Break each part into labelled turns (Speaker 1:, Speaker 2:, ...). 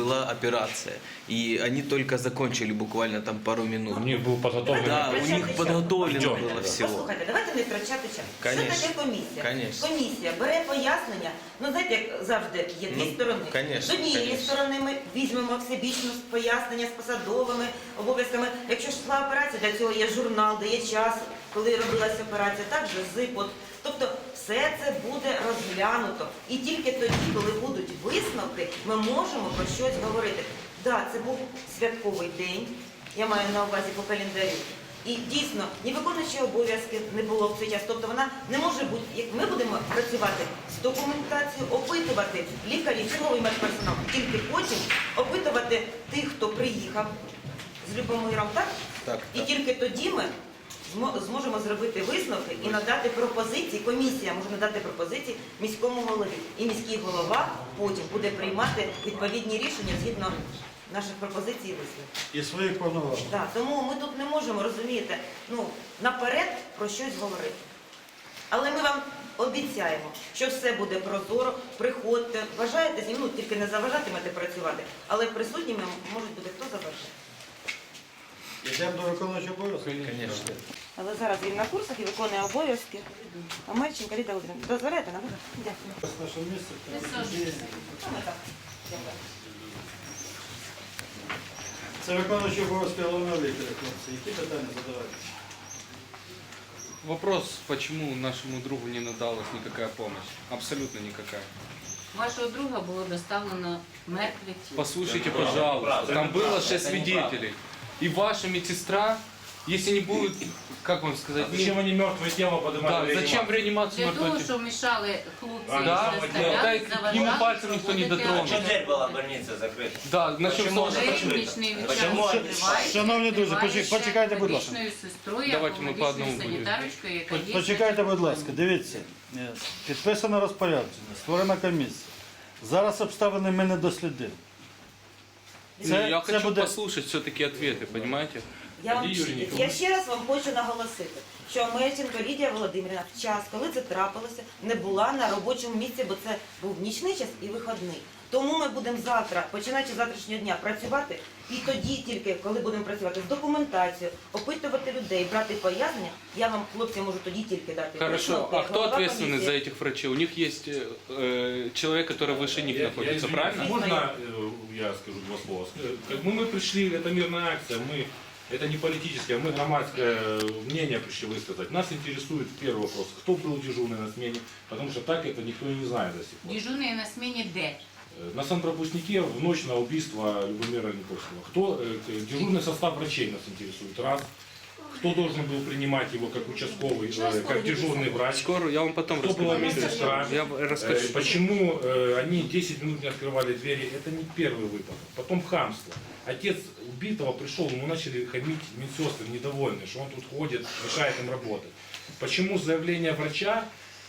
Speaker 1: была операция. И они только закончили буквально там пару минут.
Speaker 2: У них был подготовлен.
Speaker 1: Да, у них подготовлено
Speaker 2: Идем.
Speaker 1: было всего.
Speaker 3: Послухайте, давайте не втрачати час.
Speaker 1: Конечно.
Speaker 3: Що таке комісія?
Speaker 1: Конечно.
Speaker 3: Комісія бере пояснення, ну знаєте, як завжди, є дві сторони.
Speaker 1: конечно,
Speaker 3: З однієї
Speaker 1: конечно.
Speaker 3: сторони ми візьмемо всебічно пояснення з посадовими обов'язками. Якщо ж йшла операція, для цього є журнал, де є час, коли робилася операція, також ЗИП. Тобто все це буде розглянуто. І тільки тоді, коли будуть висновки, ми можемо про щось говорити. Так, це був святковий день, я маю на увазі по календарю. І дійсно, ні виконуючої обов'язки не було в цей час. Тобто вона не може бути, як ми будемо працювати з документацією, опитувати лікарів, черговий медперсонал, тільки потім опитувати тих, хто приїхав з Любомиром, так?
Speaker 1: Так,
Speaker 3: І
Speaker 1: так.
Speaker 3: тільки тоді ми зможемо зробити висновки і надати пропозиції, комісія може надати пропозиції міському голові. І міський голова потім буде приймати відповідні рішення згідно наших пропозицій і висновків.
Speaker 4: І своїх повноважень.
Speaker 3: Так, тому ми тут не можемо, розумієте, наперед про щось говорити. Але ми вам обіцяємо, що все буде прозоро, приходьте, бажаєте зі мною, тільки не заважатимете працювати, але присутніми можуть бути хто забажає.
Speaker 4: Йдемо до виконуючого обов'язку?
Speaker 1: Конечно.
Speaker 3: Але зараз він на курсах і виконує обов'язки. А Мальченко Ліда Володимирівна, дозволяєте нам? Дякую.
Speaker 4: З нашого місця.
Speaker 3: Саме так. Дякую.
Speaker 4: Це виконуючий обов'язки головного лікаря, хлопці. Які питання задавати?
Speaker 5: Вопрос, почему нашему другу не надалась никакая помощь? Абсолютно никакая.
Speaker 6: Вашого друга було доставлено мертве тіло.
Speaker 5: Послушайте, пожалуйста, там было 6 свидетелей. И ваша медсестра, если не будет, как вам сказать,
Speaker 2: Зачем они мертвое тело поднимали?
Speaker 5: да, зачем в реанимацию
Speaker 6: Для того,
Speaker 5: мертвого тела?
Speaker 6: що мішали хлопці
Speaker 5: Да,
Speaker 6: доставляти,
Speaker 5: да,
Speaker 6: заважали,
Speaker 5: ему пальцем никто не
Speaker 6: проводити
Speaker 5: дотронется.
Speaker 6: огляд.
Speaker 7: Дверь была больница закрыта.
Speaker 5: Да, насчет
Speaker 7: Почему?
Speaker 5: солнца.
Speaker 6: Нічний
Speaker 7: Почему?
Speaker 4: Шановні друзі, почекайте, будь ласка.
Speaker 6: сестрою,
Speaker 5: Давайте ми по одному будемо.
Speaker 6: санітарочкою, яка є.
Speaker 4: Почекайте, будь ласка, дивіться. Підписано розпорядження, створена комісія. Зараз обставини ми не дослідили.
Speaker 5: Я хочу послушать все-таки ответы, понимаете?
Speaker 3: Я ще раз вам хочу наголосити, що Мельченко Лідія Володимирівна в час, коли це трапилося, не була на робочому місці, бо це був нічний час і вихідний. Тому ми будемо завтра, починаючи з завтрашнього дня, працювати, і тоді тільки, коли будемо працювати з документацією, опитувати людей, брати пояснення, я вам, хлопці, можу тоді тільки дати.
Speaker 5: Хорошо,
Speaker 3: висновки.
Speaker 5: а кто
Speaker 3: Голова
Speaker 5: ответственный
Speaker 3: комісії.
Speaker 5: за этих врачей? У них есть человек, который выше них находится,
Speaker 2: извиняюсь,
Speaker 5: правильно?
Speaker 2: Можно я скажу два слова? Как мы пришли, это мирная акция, это не политическое, мы громадское мнение пришли высказать. Нас интересует первый вопрос, кто был дежурный на смене, потому что так это никто и не знает до сих пор.
Speaker 6: Дежурний на сміні де?
Speaker 2: На санпропускнике в ночь на убийство Любомира Никольского. Кто, дежурный состав врачей нас интересует, раз. Кто должен был принимать его как участковый, как дежурный врач?
Speaker 5: Скоро, я вам потом
Speaker 2: Кто была
Speaker 5: расскажу.
Speaker 2: медсестра?
Speaker 5: Я расскажу.
Speaker 2: Почему они 10 минут не открывали двери? Это не первый выпадок. Потом хамство. Отец убитого пришел, ему начали хамить медсестры, недовольные, что он тут ходит, мешает им работать. Почему заявление врача,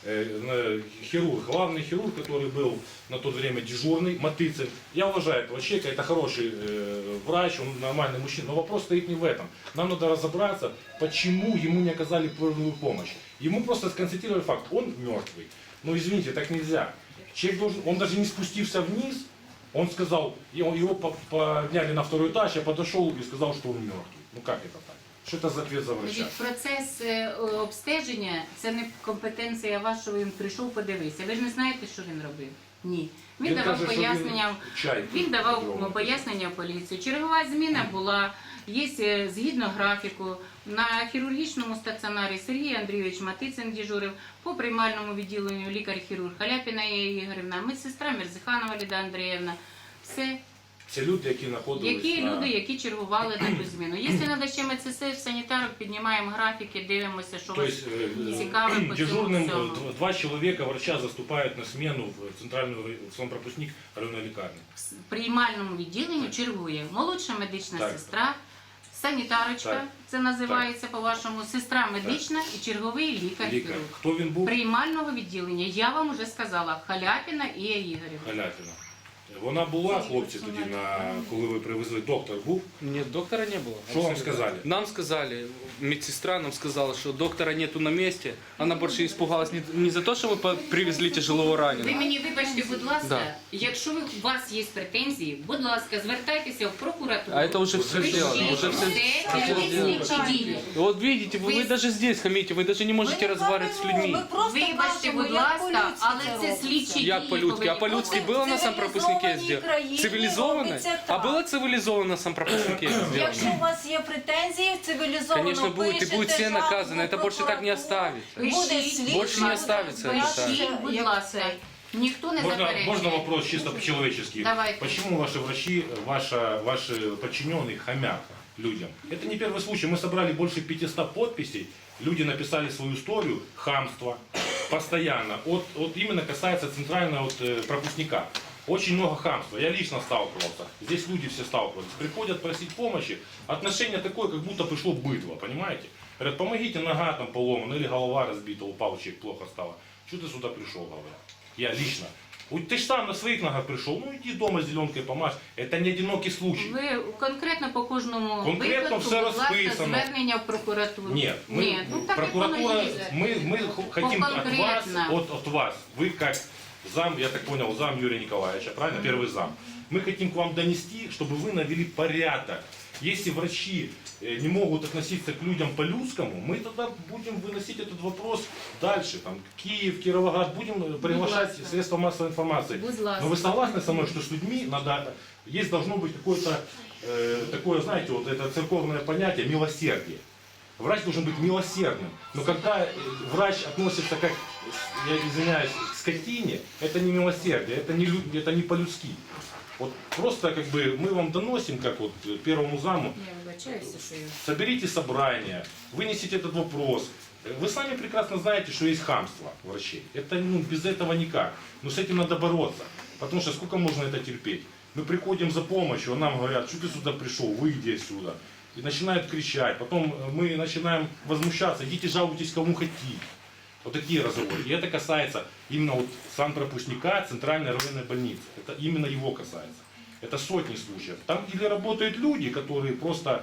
Speaker 2: хирург, главный хирург, который был на то время дежурный, Матыцин, я уважаю этого человека, это хороший врач, он нормальный мужчина, но вопрос стоит не в этом. Нам надо разобраться, почему ему не оказали первую помощь. Ему просто сконстатировали факт, он мертвый. Но извините, так нельзя. Человек должен, он даже не спустился вниз, он сказал, его подняли на второй этаж, я подошел и сказал, что он мертвый. Ну как это так? Що це за ответ за врача?
Speaker 6: Значить, процес обстеження – це не компетенція вашого, він прийшов, подивився. Ви ж не знаєте, що він робив? Ні. Він давав
Speaker 2: каже, що
Speaker 6: пояснення,
Speaker 2: він
Speaker 6: давав пояснення в поліцію. Чергова зміна була, є згідно графіку. На хірургічному стаціонарі Сергій Андрійович Матицин дежурив, по приймальному відділенню лікар-хірург Халяпіна Ія Ігорівна, медсестра Мерзиханова Ліда Андріївна. Все.
Speaker 2: Це люди, які знаходились
Speaker 6: Які чергували таку зміну. Якщо треба ще медсестер, санітарок, піднімаємо графіки, дивимося, що вас цікаве по цьому
Speaker 2: дежурным
Speaker 6: всьому.
Speaker 2: 2 человека врача заступают на смену в центральную санпропускник районной лекарни.
Speaker 6: В приймальному відділенні чергує молодша медична
Speaker 2: Так.
Speaker 6: сестра, санітарочка,
Speaker 2: Так.
Speaker 6: це називається по-вашому, сестра медична і черговий
Speaker 2: Лікар.
Speaker 6: лікар-хірург.
Speaker 2: Хто він був?
Speaker 6: Приймального відділення, я вам вже сказала, Халяпіна Ія Ігорівна.
Speaker 2: Халятина. Вона була, хлопці, тоді, коли ви привезли, доктор був?
Speaker 5: Нет, доктора не было.
Speaker 2: Что вам
Speaker 5: Абсолютно.
Speaker 2: сказали?
Speaker 5: Нам сказали, медсестра нам сказала, что доктора нету на месте. Она больше испугалась не за то, что вы привезли тяжелого
Speaker 6: Ви
Speaker 5: раненого.
Speaker 6: мені вибачте, будь ласка,
Speaker 5: Да.
Speaker 6: якщо у вас є претензії, будь ласка, звертайтеся в прокуратуру.
Speaker 5: А это уже все сделано.
Speaker 6: Пишіть
Speaker 5: Уже все...
Speaker 6: все слідчі дії.
Speaker 5: Вот видите, вы даже здесь хамите, вы даже не можете разговаривать с людьми.
Speaker 6: Вибачте, будь ласка, але це слідчі дії.
Speaker 5: Як по-людськи? А
Speaker 6: повинні
Speaker 5: по-людськи
Speaker 6: бути.
Speaker 5: було на самопропускнике сделано? Цивилизованно? А было цивилизованно на самопропускнике
Speaker 7: Якщо
Speaker 5: сделано?
Speaker 7: у вас є претензії, цивілізовано
Speaker 5: Конечно, будет. И
Speaker 7: пишете
Speaker 5: будет все
Speaker 7: жалобу
Speaker 5: наказано. Это
Speaker 7: в
Speaker 5: больше так не
Speaker 7: прокуратуру.
Speaker 5: оставится.
Speaker 7: Буде
Speaker 6: Пишіть,
Speaker 7: слідчий,
Speaker 5: Больше не
Speaker 7: буде
Speaker 5: оставиться это,
Speaker 7: розбиратися,
Speaker 6: Пишіть, будь
Speaker 7: як
Speaker 6: ласка.
Speaker 7: це.
Speaker 6: Ніхто не
Speaker 2: Можно
Speaker 6: заперечує.
Speaker 2: вопрос чисто по-человечески?
Speaker 6: Давайте.
Speaker 2: Почему ваши врачи, ваши подчиненные хамят людям? Это не первый случай. Мы собрали больше 500 подписей. Люди написали свою историю хамства постоянно. Вот именно касается центрального пропускника. Очень много хамства. Я лично сталкивался. Здесь люди все сталкиваются. Приходят просить помощи. Отношение такое, как будто пришло быдло, понимаете? Говорят, помогите, нога там поломана, или голова разбита, упал, человек плохо стало. Что ты сюда пришел, говорят? Я лично. Вот ты ж сам на своих ногах пришел, ну иди дома зеленкой помажь. Это не одинокий случай.
Speaker 6: Ви конкретно по кожному
Speaker 2: Конкретно
Speaker 6: випадку,
Speaker 2: все
Speaker 6: будь ласка,
Speaker 2: розписано.
Speaker 6: звернення в прокуратуру.
Speaker 2: Нет, мы,
Speaker 6: Ні, ну так як воно
Speaker 2: прокуратура,
Speaker 6: і є.
Speaker 2: мы хотим от вас,
Speaker 6: Конкретно.
Speaker 2: от вас, вы как зам, я так понял, зам Юрия Николаевича, правильно, первый зам. Мы хотим к вам донести, чтобы вы навели порядок. Если врачи не могут относиться к людям по-людскому, мы тогда будем выносить этот вопрос дальше. Там, Киев, Кировоград, будем приглашать
Speaker 6: ласка.
Speaker 2: средства массовой информации.
Speaker 6: Будь ласка.
Speaker 2: Но вы согласны со мной, что с людьми надо, должно быть какое-то, такое, знаете, вот это церковное понятие, милосердие. Врач должен быть милосердным. Но когда врач относится, как, я извиняюсь, к скотине, это не милосердие, это не по-людски. Вот просто как бы мы вам доносим, как вот первому заму,
Speaker 6: Я вибачаюся, що я...
Speaker 2: соберите собрание, вынесите этот вопрос. Вы сами прекрасно знаете, что есть хамство врачей. Это без этого никак. Но с этим надо бороться. Потому что сколько можно это терпеть? Мы приходим за помощью, а нам говорят, что ты сюда пришел, выйди отсюда. И начинают кричать. Потом мы начинаем возмущаться, идите жалуйтесь кому хотите. Вот такие разговоры. И это касается именно вот санпропускника Центральной районной больницы. Это именно его касается. Это сотни случаев. Там или работают люди, которые просто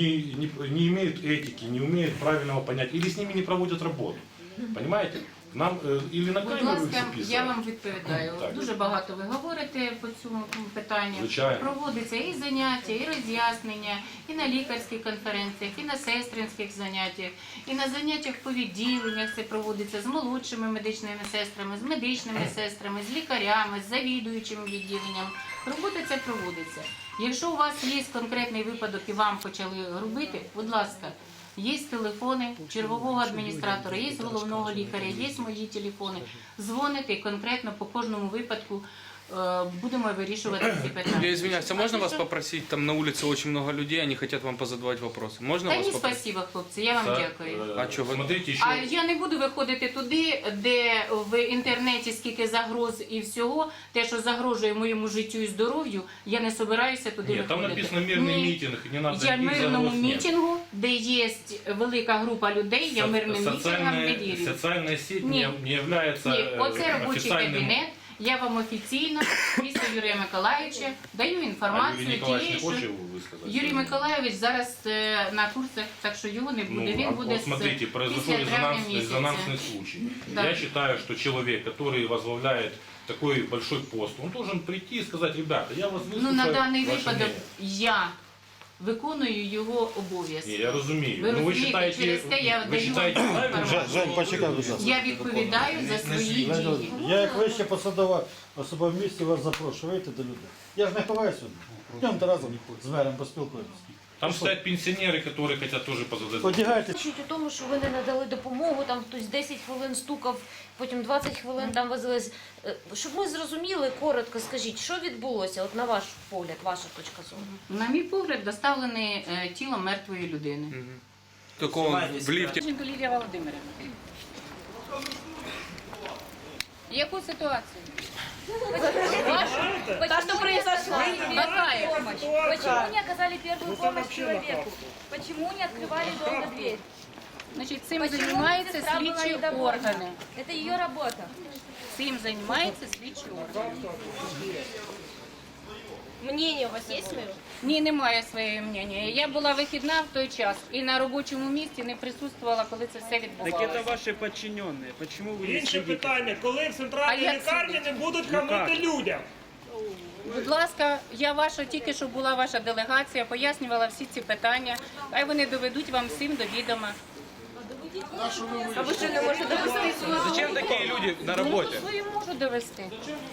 Speaker 2: не имеют этики, не умеют правильного понять, или с ними не проводят работу. Понимаете? Нам или на
Speaker 6: Будь
Speaker 2: камеру їх
Speaker 6: ласка, я
Speaker 2: записують.
Speaker 6: вам відповідаю.
Speaker 2: Так.
Speaker 6: Дуже багато ви говорите по цьому питанню.
Speaker 2: Звичайно.
Speaker 6: Проводиться і заняття, і роз'яснення, і на лікарських конференціях, і на сестринських заняттях, і на заняттях по відділеннях це проводиться з молодшими медичними сестрами, з медичними сестрами, з лікарями, з завідуючим відділенням. Робота ця проводиться. Якщо у вас є конкретний випадок і вам почали робити, будь ласка, є телефони чергового адміністратора, є головного лікаря, є мої телефони. Дзвоните і конкретно по кожному випадку будемо вирішувати ці питання.
Speaker 5: Я извиняюсь, а можно вас
Speaker 6: що?
Speaker 5: попросить? Там на улице очень много людей, они хотят вам позадавать вопросы. Можно
Speaker 6: Та
Speaker 5: вас
Speaker 6: ні,
Speaker 5: попросить?
Speaker 6: спасибо, хлопці, я вам дякую.
Speaker 5: А чого ви-
Speaker 2: Смотрите еще.
Speaker 6: А я не буду виходити туди, де в інтернеті скільки загроз і всього, те, що загрожує моєму життю і здоров'ю, я не собираюся туди
Speaker 2: Нет, там
Speaker 6: виходити.
Speaker 2: написано мирный
Speaker 6: Ні.
Speaker 2: митинг, не надо
Speaker 6: Я в
Speaker 2: никаких
Speaker 6: мирному
Speaker 2: загроз нет.
Speaker 6: мітингу, де є велика група людей, я мирним мітингам не вірю.
Speaker 2: Социальная сеть
Speaker 6: Ні.
Speaker 2: не является
Speaker 6: Ні, оце робочий
Speaker 2: официальным...
Speaker 6: кабінет. Я вам офіційно, після Юрія Миколаївича, даю
Speaker 2: А Юрий
Speaker 6: інформацію
Speaker 2: Николаевич
Speaker 6: тієї,
Speaker 2: не
Speaker 6: що
Speaker 2: хочет высказать?
Speaker 6: Юрій Миколаївич зараз на курсах, так що його не буде. Він буде
Speaker 2: вот смотрите, произошел
Speaker 6: після травня місяця.
Speaker 2: резонансный случай.
Speaker 6: Да.
Speaker 2: Я считаю, что человек, который возглавляет такой большой пост, он должен прийти и сказать, ребята, я вас выслушаю,
Speaker 6: Ну, на даний
Speaker 2: ваше
Speaker 6: випадок
Speaker 2: мнение».
Speaker 6: я виконую його обов'язки.
Speaker 2: Не, я разумею.
Speaker 6: Ви
Speaker 2: Но вы
Speaker 6: розумієте,
Speaker 2: считаете,
Speaker 6: через те я
Speaker 2: вы
Speaker 6: даю
Speaker 2: считаете
Speaker 6: вам
Speaker 2: правильно?
Speaker 6: інформацію.
Speaker 4: Жень, почекай, будь ласка.
Speaker 6: Я відповідаю за свої дії.
Speaker 4: Я як вища посадова особа в місті вас запрошую, вийти до людей. Я ж не ховаюся сюди. Йдемте разом з мером поспілкуємося.
Speaker 2: Там стоят пенсионеры, которые хотят тоже позадать.
Speaker 4: Одягайте.
Speaker 8: Чуть у тому, що ви не надали допомогу, там хтось 10 хвилин стукав, потім 20 хвилин там возились. Щоб ми зрозуміли, коротко скажіть, що відбулося, от на ваш погляд, ваша точка зору?
Speaker 6: На мій погляд, доставлене тіло мертвої людини.
Speaker 5: Какого в лифте?
Speaker 6: Лілія Володимирівна. Яку ситуацію?
Speaker 8: Та, что произошло?
Speaker 6: Какая?
Speaker 8: Почему не оказали первую помощь человеку? Почему не открывали долго дверь?
Speaker 6: Значить, цим
Speaker 8: Почему
Speaker 6: займаються
Speaker 8: медсестра была
Speaker 6: слідчі
Speaker 8: недовольна?
Speaker 6: органи.
Speaker 8: Это ее работа.
Speaker 6: Цим займаються слідчі органи.
Speaker 8: Мнение у вас є своє?
Speaker 6: Ні, немає своєї мнення. Я була вихідна в той час і на робочому місці не присутствувала, коли це все відбувалося.
Speaker 9: ваші підчинені. Чому ви
Speaker 10: Інше питання, коли в центральній
Speaker 6: А як
Speaker 10: лікарні
Speaker 6: сидіти?
Speaker 10: не будуть хамити людям?
Speaker 6: Будь ласка, я ваша, тільки що була ваша делегація, пояснювала всі ці питання. Хай вони доведуть вам всім до відома.
Speaker 8: А ви що не можете довести свою?
Speaker 5: Зачем такі люди на роботі?
Speaker 6: Свою можу довести.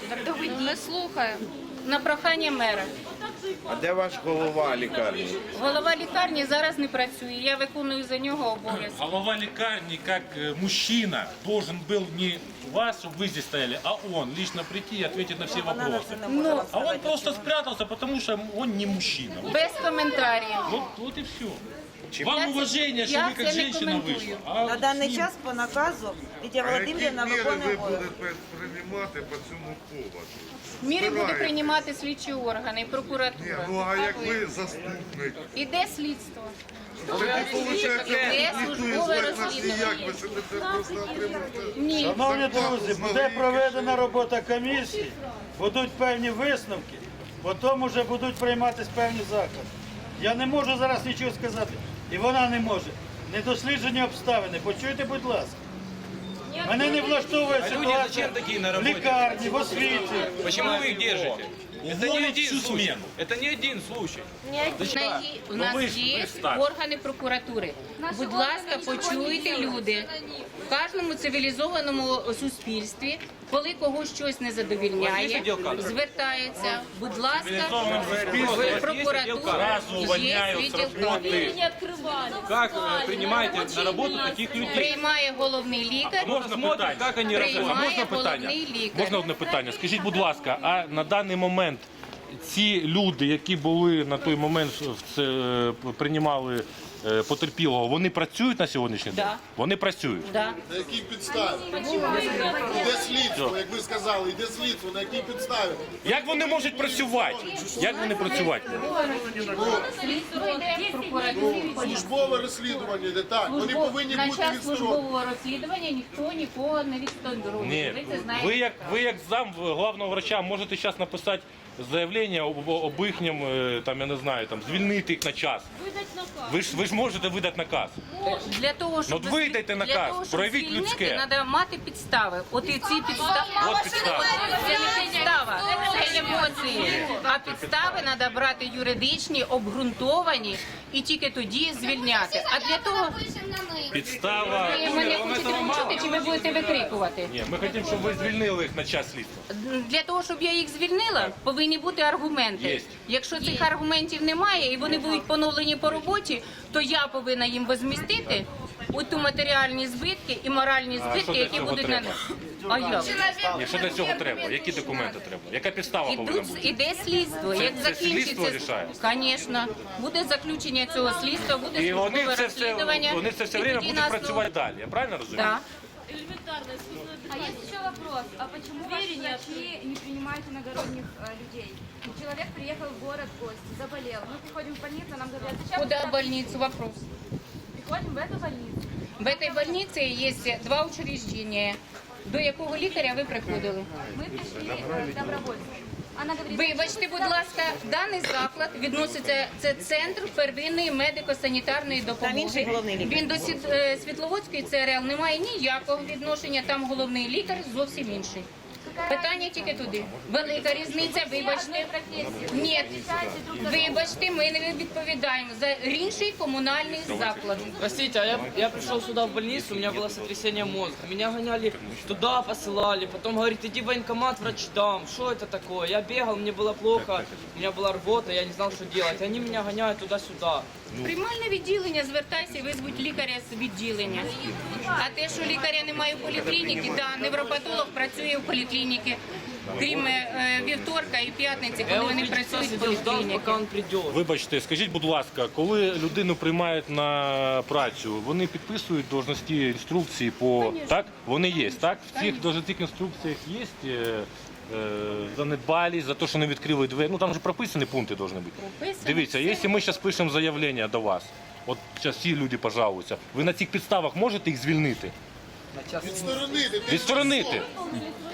Speaker 8: Ми слухаємо.
Speaker 6: На прохання мера.
Speaker 11: А де ваш голова лікарні?
Speaker 6: Голова лікарні зараз не працює, я виконую за нього обов'язки.
Speaker 2: Голова лекарни, как мужчина, должен был не вас, чтобы вы здесь стояли, а он лично прийти и ответить на все вопросы.
Speaker 6: Ну,
Speaker 2: А он просто спрятался, потому что он не мужчина.
Speaker 6: без коментарів.
Speaker 2: Вот и все.
Speaker 6: Я
Speaker 2: Вам
Speaker 6: це-
Speaker 2: уважение, что
Speaker 6: я
Speaker 2: вы как
Speaker 6: це не
Speaker 2: женщина
Speaker 6: коментую.
Speaker 2: вышла. А
Speaker 3: На даний час по наказу Лідія Володимирівна виконує обов'язки.
Speaker 11: приймати по цьому поводу?
Speaker 6: Міри буде приймати слідчі органи і прокуратура.
Speaker 11: А як ви заступник?
Speaker 6: Іде слідство.
Speaker 11: Тоді виходить,
Speaker 6: Іде службове розслідування.
Speaker 11: ви сидите просто отримуєте?
Speaker 6: Ні.
Speaker 4: Шановні друзі, буде проведена робота комісії, будуть певні висновки, потім вже будуть прийматися певні заходи. Я не можу зараз нічого сказати, і вона не може. Недосліджені обставини, почуйте, будь ласка. Мене не влаштовує ситуація
Speaker 5: зачем такие на
Speaker 4: в
Speaker 5: работе?
Speaker 4: лікарні, в освіті.
Speaker 5: Почему вы их держите? Это не
Speaker 2: Уволить
Speaker 5: один
Speaker 2: всю
Speaker 5: случай.
Speaker 2: смену.
Speaker 5: Это не один случай.
Speaker 6: У нас
Speaker 2: ви ж
Speaker 6: є
Speaker 2: представте.
Speaker 6: органи прокуратури. Будь ласка, почуйте, люди. В кожному цивілізованому суспільстві, коли когось щось не задовільняє, звертається. Будь ласка, в прокуратуру
Speaker 2: Сразу
Speaker 6: є
Speaker 2: увольняют с
Speaker 6: відділ
Speaker 2: работы.
Speaker 5: Как принимаете на работу таких людей?
Speaker 6: Приймає головний лікар.
Speaker 2: Можна
Speaker 5: Смотрим,
Speaker 2: питання?
Speaker 5: как они работают.
Speaker 6: Приймає
Speaker 2: Можна питання?
Speaker 6: головний лікар.
Speaker 2: Можна одне питання? Скажіть, будь ласка, а на даний момент ці люди, які були на той момент приймали потерпілого, вони працюють на сьогоднішній день?
Speaker 6: Да.
Speaker 2: Вони працюють.
Speaker 6: Да.
Speaker 11: На якій підставі? Іде слідство, як ви сказали, іде слідство, на якій підставі?
Speaker 2: Як вони можуть працювати? Як вони працювати?
Speaker 6: Слідство йде в прокуратурі.
Speaker 11: Службове розслідування йде так. Вони повинні
Speaker 6: На
Speaker 11: бути
Speaker 6: час
Speaker 11: відсторонені.
Speaker 6: службового розслідування ніхто нікого не відсторонює.
Speaker 2: Ні.
Speaker 6: Ви це знаєте.
Speaker 2: Ви як зам главного врача можете зараз написати заявлення об їхнім, там, я не знаю, там, звільнити їх на час. Ви ж можете видати наказ.
Speaker 6: Для того, щоб
Speaker 2: Ну, видайте наказ,
Speaker 6: для того, щоб
Speaker 2: проявіть
Speaker 6: звільнити,
Speaker 2: людське.
Speaker 6: треба мати підстави. От і ці підстави.
Speaker 2: От підстава.
Speaker 6: Це не підстава, це емоції. А підстави треба брати юридичні, обґрунтовані і тільки тоді звільняти. А для того
Speaker 2: Підстава.
Speaker 6: ви мене хочете почути, чи ви будете викрикувати?
Speaker 2: Ні, ми хочемо, щоб ви звільнили їх на час слідства.
Speaker 6: Для того, щоб я їх звільнила, повинні бути аргументи.
Speaker 2: Єсть.
Speaker 6: Якщо цих аргументів немає і вони будуть поновлені по роботі, то я повинна їм возмістити ту матеріальні збитки і моральні
Speaker 2: що
Speaker 6: збитки,
Speaker 2: для
Speaker 6: які
Speaker 2: цього
Speaker 6: будуть
Speaker 2: треба?
Speaker 6: А як?
Speaker 2: Ні, що для цього треба? Які документи треба? Яка підстава повинна бути?
Speaker 6: Іде слідство.
Speaker 2: Це-
Speaker 6: Як
Speaker 2: це слідство
Speaker 6: закінчиться,
Speaker 2: рішає?
Speaker 6: звісно, буде заключення цього слідства, буде
Speaker 2: І вони
Speaker 6: службове
Speaker 2: це все,
Speaker 6: розслідування.
Speaker 2: вони це все
Speaker 6: і
Speaker 2: время
Speaker 6: тоді
Speaker 2: будуть
Speaker 6: нас,
Speaker 2: працювати далі. Я правильно розумію?
Speaker 6: Да.
Speaker 7: А есть еще вопрос. А почему ваши врачи не принимают иногородних людей? Человек приехал в город в гости, заболел. Мы приходим в больницу, нам говорят, зачем
Speaker 6: Куда
Speaker 7: вы
Speaker 6: больницу? Вопрос.
Speaker 7: приходим в эту больницу?
Speaker 6: В этой больнице есть два учреждения. До якого лікаря ви приходили?
Speaker 7: Мы пришли добровольцем. Она говорит,
Speaker 6: Вибачте, будь ласка, даний заклад відноситься, це центр первинної медико-санітарної
Speaker 3: Там інший
Speaker 6: допомоги.
Speaker 3: головний лікар.
Speaker 6: Він до Світловодської ЦРЛ не має ніякого відношення, там головний лікар зовсім інший. Питання тільки туди. Велика різниця, вибачте. Ні, вибачте, ми не відповідаємо за інший комунальний заклад.
Speaker 9: Простите, а я пришел сюда в больницу, у меня было сотрясение мозга. Меня гоняли туда, посылали. Потом говорит, иди в военкомат, врач дам. Что это такое? Я бегал, мне было плохо, у меня была рвота, я не знал, что делать. Они меня гоняют туда-сюда.
Speaker 6: Приймальне відділення, звертайся, визвуть лікаря з відділення. А те, що лікаря немає в поліклініці, да, невропатолог працює в поліклініці, крім вівторка і п'ятниці, коли вони працюють в
Speaker 9: Сидел, ждал,
Speaker 6: поліклініці.
Speaker 9: пока он придет.
Speaker 2: Вибачте, скажіть, будь ласка, коли людину приймають на працю, вони підписують должності інструкції по так? Вони є, так? В цих должностних інструкціях є занедбалість за те, що не відкрили двері. Ну там же прописані пункти повинні бути.
Speaker 6: Прописані.
Speaker 2: Дивіться, якщо ми зараз пишемо заявлення до вас, от зараз всі люди пожалуються, ви на цих підставах можете їх звільнити?
Speaker 11: Відсторонити.
Speaker 2: Відсторонити.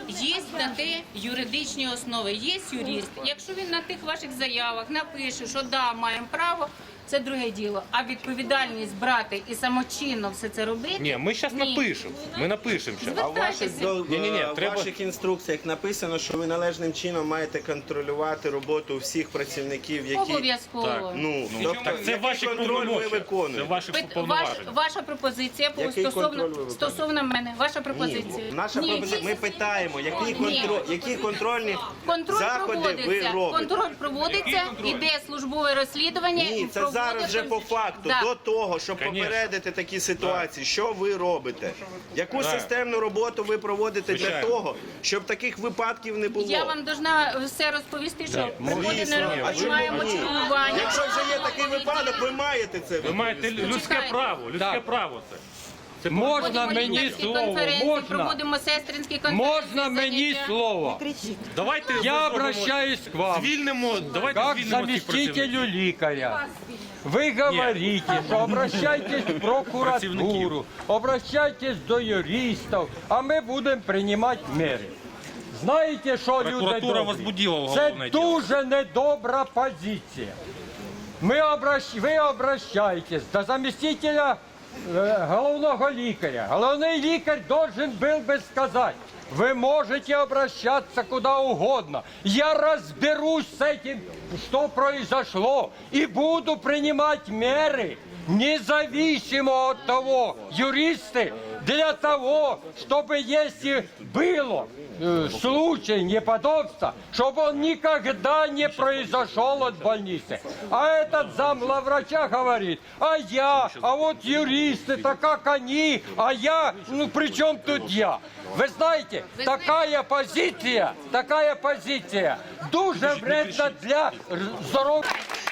Speaker 6: Є на те юридичні основи, є юрист. Якщо він на тих ваших заявах напише, що да, маємо право, це друге діло. А відповідальність брати і самочинно все це робити?
Speaker 2: Ні, ми зараз напишемо. Ми напишемо зараз.
Speaker 6: Звертайтеся.
Speaker 12: В ваших інструкціях написано, що ви належним чином маєте контролювати роботу всіх працівників, які...
Speaker 6: Обов'язково.
Speaker 2: Так це ваші
Speaker 12: контроль ви
Speaker 2: повноваження. Це
Speaker 12: виконуєте?
Speaker 2: ваші повноваження.
Speaker 6: Ваша пропозиція
Speaker 12: Який контроль ви виконуєте?
Speaker 6: стосовно мене. Ваша пропозиція.
Speaker 12: Наша
Speaker 6: Ні.
Speaker 12: пропозиція, ми питаємо, які контрольні
Speaker 6: Контроль
Speaker 12: заходи ви
Speaker 6: проводиться.
Speaker 12: робите?
Speaker 6: Контроль проводиться, іде службове розслідування.
Speaker 12: Ні,
Speaker 6: і
Speaker 12: це
Speaker 6: проводиться-
Speaker 12: зараз вже по факту.
Speaker 6: Да.
Speaker 12: До того, щоб
Speaker 2: Конечно.
Speaker 12: попередити такі ситуації, що ви робите? Яку
Speaker 2: Да.
Speaker 12: системну роботу ви проводите для
Speaker 2: Звичайно.
Speaker 12: того, щоб таких випадків не було?
Speaker 6: Я вам должна все розповісти, що приходить
Speaker 12: Звісно.
Speaker 6: на
Speaker 12: А чому
Speaker 6: маємо
Speaker 12: ні?
Speaker 6: чергування.
Speaker 12: Якщо вже є такий випадок, ви маєте це.
Speaker 2: Ви маєте людське
Speaker 6: Чекайте.
Speaker 2: право, людське право це.
Speaker 5: Можна
Speaker 6: Проводимо
Speaker 5: мені
Speaker 6: лікарські
Speaker 5: слово?
Speaker 6: конференції,
Speaker 5: Можна?
Speaker 6: проводимо сестринські конференції.
Speaker 5: Можно мне
Speaker 6: заняття.
Speaker 5: слово?
Speaker 2: Давайте
Speaker 5: Я
Speaker 2: зробимо-
Speaker 5: обращаюсь к вам.
Speaker 2: Звільнимо, давайте
Speaker 5: Как
Speaker 2: звільнимо цих
Speaker 5: заместителю
Speaker 2: працівників.
Speaker 5: ликаря. Вы говорите, что обращайтесь в прокуратуру, обращайтесь до юристов, а мы будем принимать меры. Знаете, що люди
Speaker 2: Прокуратура
Speaker 5: добрі?
Speaker 2: возбудила
Speaker 5: Це
Speaker 2: уголовне діло.
Speaker 5: дуже недобра позиція. Ви обращаєтесь до заместителя головного лікаря. Головний лікар должен был бы сказать: вы можете обращаться куда угодно. Я разберусь с этим, что произошло, и буду принимать меры, независимо от того, юристы, для того, чтобы, если было случай неподобства, чтобы он никогда не произошел от больницы. А этот замглавврача говорит: а вот юристы, так как они, а я, ну при чем тут я? Вы знаете, такая позиция дуже вредна для здоров'я.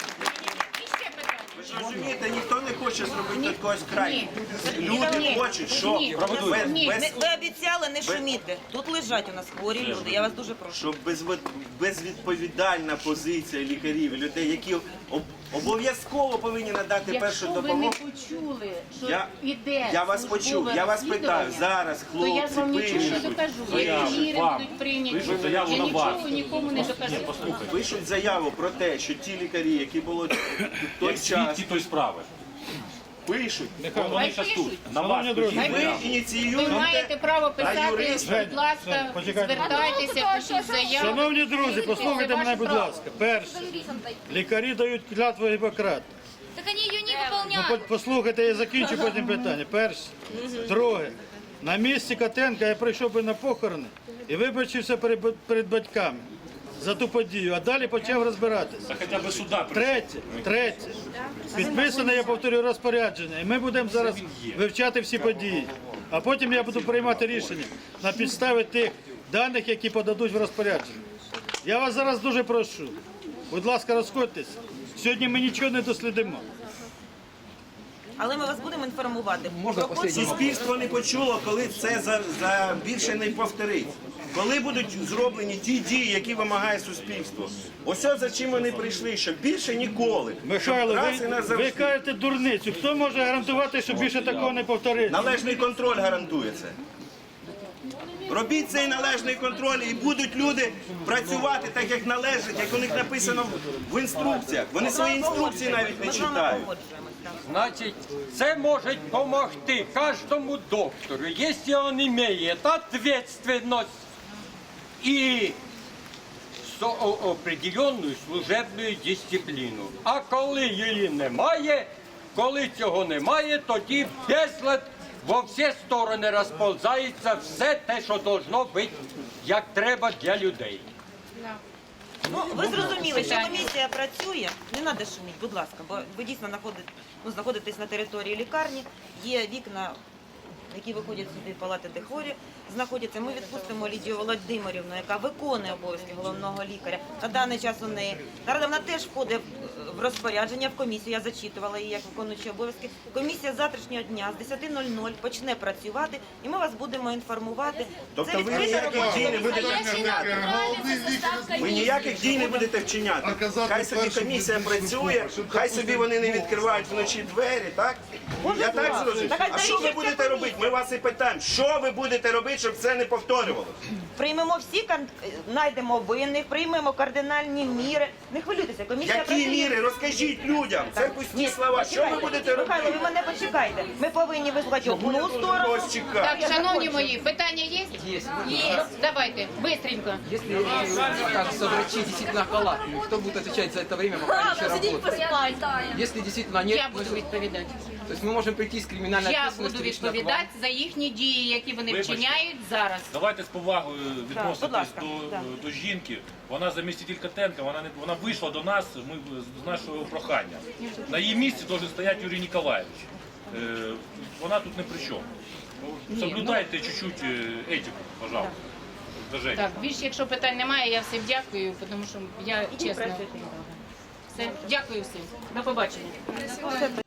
Speaker 12: Ви ж розумієте, ніхто не хоче зробити від когось край. Люди
Speaker 6: Ні.
Speaker 12: хочуть, що
Speaker 6: Ні.
Speaker 12: без-
Speaker 3: Ви обіцяли не шуміти. Тут лежать у нас хворі люди. Я вас дуже прошу.
Speaker 12: щоб безвідповідальна позиція лікарів, людей, які обов'язково повинні надати першу
Speaker 6: Якщо ви не
Speaker 12: допомогу.
Speaker 6: почули, що
Speaker 12: Я-
Speaker 6: іде
Speaker 12: я вас
Speaker 6: службове
Speaker 12: почув, я вас питаю,
Speaker 6: розслідування,
Speaker 12: зараз
Speaker 6: то я
Speaker 12: хлопці
Speaker 6: вам нічого не
Speaker 12: пишуть,
Speaker 6: докажу.
Speaker 2: заяву
Speaker 6: Які міри
Speaker 2: вам.
Speaker 6: будуть прийняті.
Speaker 2: Пишуть заяву
Speaker 6: Я
Speaker 2: на
Speaker 6: нічого
Speaker 2: вас.
Speaker 6: нікому не докажу.
Speaker 12: пишуть заяву про те, що ті лікарі, які були в той
Speaker 2: Як
Speaker 12: час,
Speaker 2: свідки тої справи.
Speaker 12: пишуть.
Speaker 2: Вони зараз тут. На вас
Speaker 4: Шановні друзі,
Speaker 2: пишуть
Speaker 12: Ви
Speaker 2: заяву.
Speaker 6: Ви
Speaker 12: ініціюєте.
Speaker 6: маєте право писати,
Speaker 12: юрист?
Speaker 6: будь ласка,
Speaker 4: почекайте.
Speaker 6: звертайтеся, пишіть заяву.
Speaker 4: Шановні друзі, послухайте мене, будь ласка. Перше, лікарі дають клятву Гіппократа.
Speaker 7: Так они ее не
Speaker 4: Ну,
Speaker 7: выполняют.
Speaker 4: послухайте, я закінчу потім питання. Перше. Друге. На місці Котенка я прийшов би на похорони і вибачився перед батьками за ту подію, а далі почав розбиратися.
Speaker 2: Та хоча б сюди.
Speaker 4: Третє. Підписане, я повторюю, розпорядження. І ми будемо зараз вивчати всі події. А потім я буду приймати рішення на підставі тих даних, які подадуть в розпорядження. Я вас зараз дуже прошу. Будь ласка, розходьтесь. Сьогодні ми нічого не дослідимо.
Speaker 3: Але ми вас будемо інформувати.
Speaker 12: Суспільство не почуло, коли це за більше не повторить. Коли будуть зроблені ті дії, які вимагає суспільство. Ось за чим вони прийшли, що більше ніколи.
Speaker 4: Михайло,
Speaker 12: Щоб раз і
Speaker 4: ви
Speaker 12: назавжди.
Speaker 4: кажете дурницю. Хто може гарантувати, що більше такого не повториться?
Speaker 12: Належний контроль гарантує це. Робіть цей належний контроль, і будуть люди працювати так, як належить, як у них написано в інструкціях. Вони свої інструкції навіть не
Speaker 3: Ми з вами
Speaker 12: читають.
Speaker 3: погоджуємось, так.
Speaker 5: Значит, це может помогти каждому доктору, если он имеет ответственность и определенную служебную дисципліну. А коли її немає, коли цього немає, тоді безлад во всі сторони розповзається все те, що должно бути, як треба для людей.
Speaker 3: Ну, ви зрозуміли, що комісія працює. Не треба шуміти, будь ласка, бо ви дійсно знаходитесь на території лікарні, є вікна, які виходять сюди, палати, де хворі знаходяться. Ми відпустимо Лідію Володимирівну, яка виконує обов'язки головного лікаря. На даний час у неї. Наразі вона теж входить в розпорядження, в комісію. Я зачитувала її як виконуючі обов'язки. Комісія з завтрашнього дня з 10:00 почне працювати, і ми вас будемо інформувати.
Speaker 12: Тобто ви
Speaker 3: відкрита
Speaker 12: ніяких
Speaker 3: робота.
Speaker 12: дій не будете вчиняти. Ви ніяких дій не будете вчиняти. Хай собі комісія працює, хай собі вони не відкривають вночі двері, так? Я так зрозумів. А що ви будете робити? ми вас і питаємо, що ви будете робити, щоб це не повторювалося?
Speaker 3: Приймемо всі, знайдемо винних, приймемо кардинальні міри. Не хвилюйтеся, комісія
Speaker 12: Які
Speaker 3: працює.
Speaker 12: міри? Розкажіть людям. Це пусті
Speaker 3: Ні,
Speaker 12: слова. Що ви
Speaker 3: почекайте.
Speaker 12: будете
Speaker 3: Михайло,
Speaker 12: робити?
Speaker 3: ви мене почекайте. Ми повинні вислухати одну сторону.
Speaker 12: Ось чекати.
Speaker 6: Так, шановні мої, питання є? Є. Давайте, быстренько.
Speaker 1: Если окажется врачи действительно халатными, кто будет отвечать за это время, пока они еще работают? Если действительно нет,
Speaker 6: Я буду відповідати.
Speaker 1: то есть мы можем прийти с криминальной
Speaker 6: Я
Speaker 1: ответственностью
Speaker 6: буду
Speaker 1: лично к вам.
Speaker 6: відповідати за їхні дії, які вони
Speaker 2: Вибачте.
Speaker 6: вчиняють зараз.
Speaker 2: Давайте з повагою
Speaker 3: будь
Speaker 2: відноситись
Speaker 3: ласка,
Speaker 2: до жінки. Вона заміститель Котенка, вона вийшла до нас з нашого прохання. На її місці має стояти Юрій Ніколаєвич. Вона тут не при чому. Соблюдайте чуть-чуть етику, пожалуйста. До Жені.
Speaker 6: Так, більше, якщо питань немає, я всім дякую, тому що я чесно. Все, дякую всім. До побачення.